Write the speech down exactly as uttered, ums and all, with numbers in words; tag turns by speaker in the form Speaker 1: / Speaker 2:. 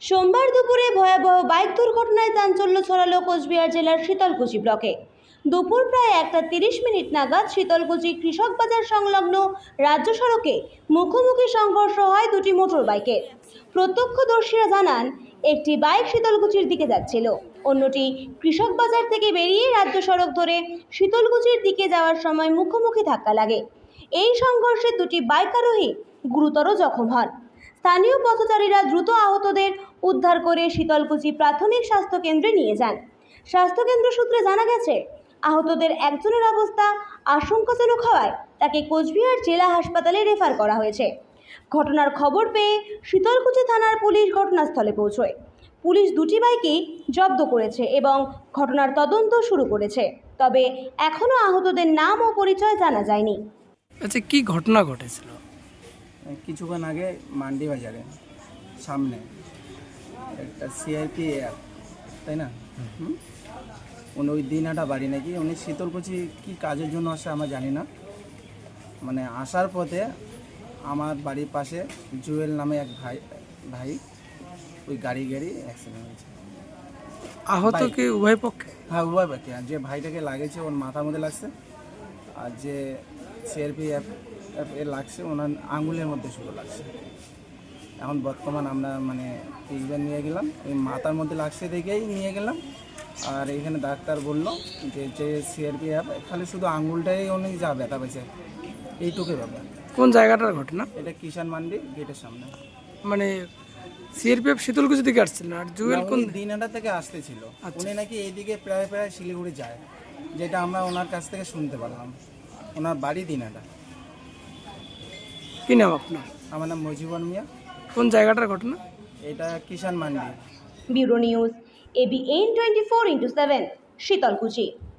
Speaker 1: সোমবার দুপুরে ভয়াবহ বাইক দুর্ঘটনায় চাঞ্চল্য ছড়ালো কোচবিহার জেলার শীতলকুচি ব্লকে। দুপুর প্রায় একটা তিরিশ মিনিট নাগাদ শীতলকুচি কৃষক বাজার সংলগ্ন রাজ্য সড়কে মুখোমুখি সংঘর্ষ হয় দুটি মোটর বাইকের। প্রত্যক্ষদর্শীরা জানান, একটি বাইক শীতলকুচির দিকে যাচ্ছিল, অন্যটি কৃষক বাজার থেকে বেরিয়ে রাজ্য সড়ক ধরে শীতলকুচির দিকে যাওয়ার সময় মুখোমুখি ধাক্কা লাগে। এই সংঘর্ষে দুটি বাইক আরোহী গুরুতর জখম হন। স্থানীয় পথচারীরা দ্রুত আহতদের উদ্ধার করে শীতলকুচি প্রাথমিক স্বাস্থ্য কেন্দ্রে নিয়ে যান। স্বাস্থ্যকেন্দ্র সূত্রে জানা গেছে, আহতদের একজনের অবস্থা আশঙ্কাজনক হওয়ায় তাকে কোচবিহার জেলা হাসপাতালে রেফার করা হয়েছে। ঘটনার খবর পেয়ে শীতলকুচি থানার পুলিশ ঘটনাস্থলে পৌঁছয়। পুলিশ দুটি বাইকই জব্দ করেছে এবং ঘটনার তদন্ত শুরু করেছে, তবে এখনও আহতদের নাম ও পরিচয় জানা যায়নি।
Speaker 2: আচ্ছা, কি ঘটনা ঘটেছিল?
Speaker 3: কিছুক্ষণ আগে মান্ডি বাজারে সামনে একটা সিআরপি তাই না, হুম উনি ওই দিনাটা বাড়ি নাকি, উনি শীতলকুচি কি কাজের জন্য আসে আমরা জানি না। মানে আসার পথে আমার বাড়ির পাশে জুয়েল নামে এক ভাই ভাই ওই গাড়ি গাড়ি অ্যাক্সিডেন্ট হয়েছে।
Speaker 2: আহত কি উভয় পক্ষে?
Speaker 3: হ্যাঁ, উভয় পক্ষে। আর যে ভাইটাকে লাগেছে ওর মাথার মধ্যে লাগছে, আর যে সিআরপি এ লাগছে ওনার আঙুলের মধ্যে শুধু লাগছে। এখন বর্তমান আমরা মানে ট্রিটমেন্ট নিয়ে গেলাম, ওই মাথার মধ্যে লাগছে দেখেই নিয়ে গেলাম। আর এখানে ডাক্তার বললো যে যে সিআরপি অ্যাপ খালি শুধু আঙুলটাই উনি যা ব্যথা পেয়েছে, এইটুকুই ব্যাপার।
Speaker 2: কোন জায়গাটার ঘটনা?
Speaker 3: এটা কিষান মান্ডি গেটের সামনে।
Speaker 2: মানে সিআরপিএফ শীতলকুচি থেকে আসছিল আর জুয়েল কোন
Speaker 3: দিনাটা থেকে আসতেছিল। উনি নাকি এইদিকে প্রায় প্রায় শিলিগুড়ি যায়, যেটা আমরা ওনার কাছ থেকে শুনতে পারলাম। ওনার বাড়ি দিনাটা।
Speaker 2: কি নাম আপনার?
Speaker 3: আমার নাম মজিবর মিয়া।
Speaker 2: কোন জায়গাটার ঘটনা?
Speaker 3: এটা Kishan Mandi.
Speaker 1: Bureau news, ABN twenty four into seven, Sitalkuchi.